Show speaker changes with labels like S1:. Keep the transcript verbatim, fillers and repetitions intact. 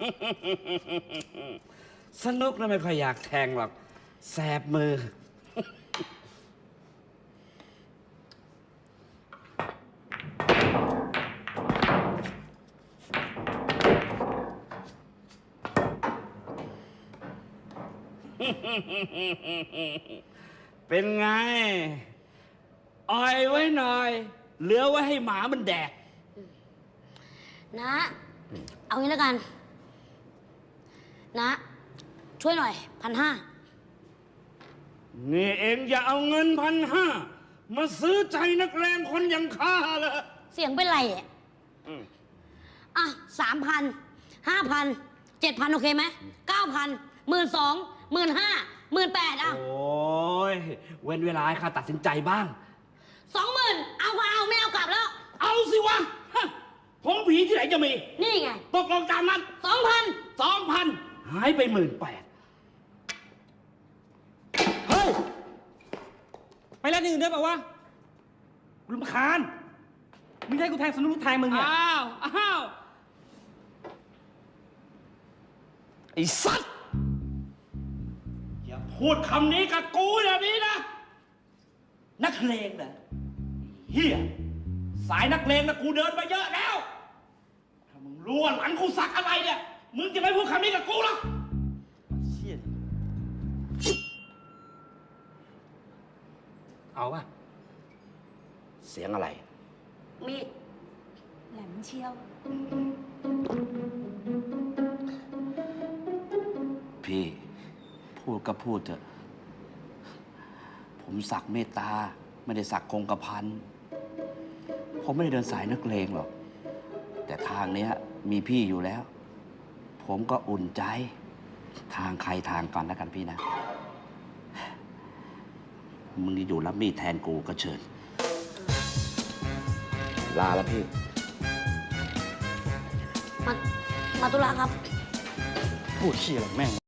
S1: สนุกนะไม่ค่อยอยากแทงหรอกแสบมือ เป็นไงอ่อยไว้หน่อย เหลือไว้ให้หมามันแดก
S2: นะ เอางี้แล้วกัน นะ ช่วยหน่อยพันห้า
S1: นี่เองอย่าเอาเงินพันห้ามาซื้อใจนักแรงคนอย่างข้าเลย
S2: เสียงเป็นไรอ่ะอ่ะสามพันห้าพันเจ็ดพันโอเคไหมเก้าพันหมื่นสองหมื่นห้าหมื่นแปดอ่ะ
S1: โอ้ยเว้นเวลาให้ข้าตัดสินใจบ้าง
S2: สองหมื่นเอาก็เอาไม่เอากลับแล้ว
S1: เอาสิวะฮะผมผีที่ไหนจะมี
S2: นี่ไง
S1: ตกลงตามนั้น
S2: สองพัน
S1: สองพันหายไปหมื่นแปดเฮ้ย
S3: ไปเล่นอื่นด้วยเปล่าวะรำคาญมึงให้กูแทงสนุกแทงมึงเนี่ย
S1: อ้าว อ้าว ไอ้สัตว์ อย่าพูดคำนี้กับกูแบบนี้นะ นักเลงนะเฮียสายนักเลงนะกูเดินมาเยอะแล้ว ถ้ามึงรู้ว่าหลังกูสักอะไรเนี่ย มึงจะไม่พูดคำนี้กับกูหรอก
S3: เชี่ย
S1: เอาป่ะ เสียงอะไร
S2: มีดแหลมเชียว
S1: พี่ พูดก็พูดเถอะ ผมสักเมตตา ไม่ได้สักคงกระพัน ผมไม่ได้เดินสายนักเลงหรอก แต่ทางเนี้ยมีพี่อยู่แล้ว ผมก็อุ่นใจ ทางใครทางกันแล้วกันพี่นะ มึงอยู่รับมีดแทนกูก็เชิญ ลาแล้วพี่
S2: มา มาตุลาครับ
S3: พูดเชี่ยอะไรแม่ง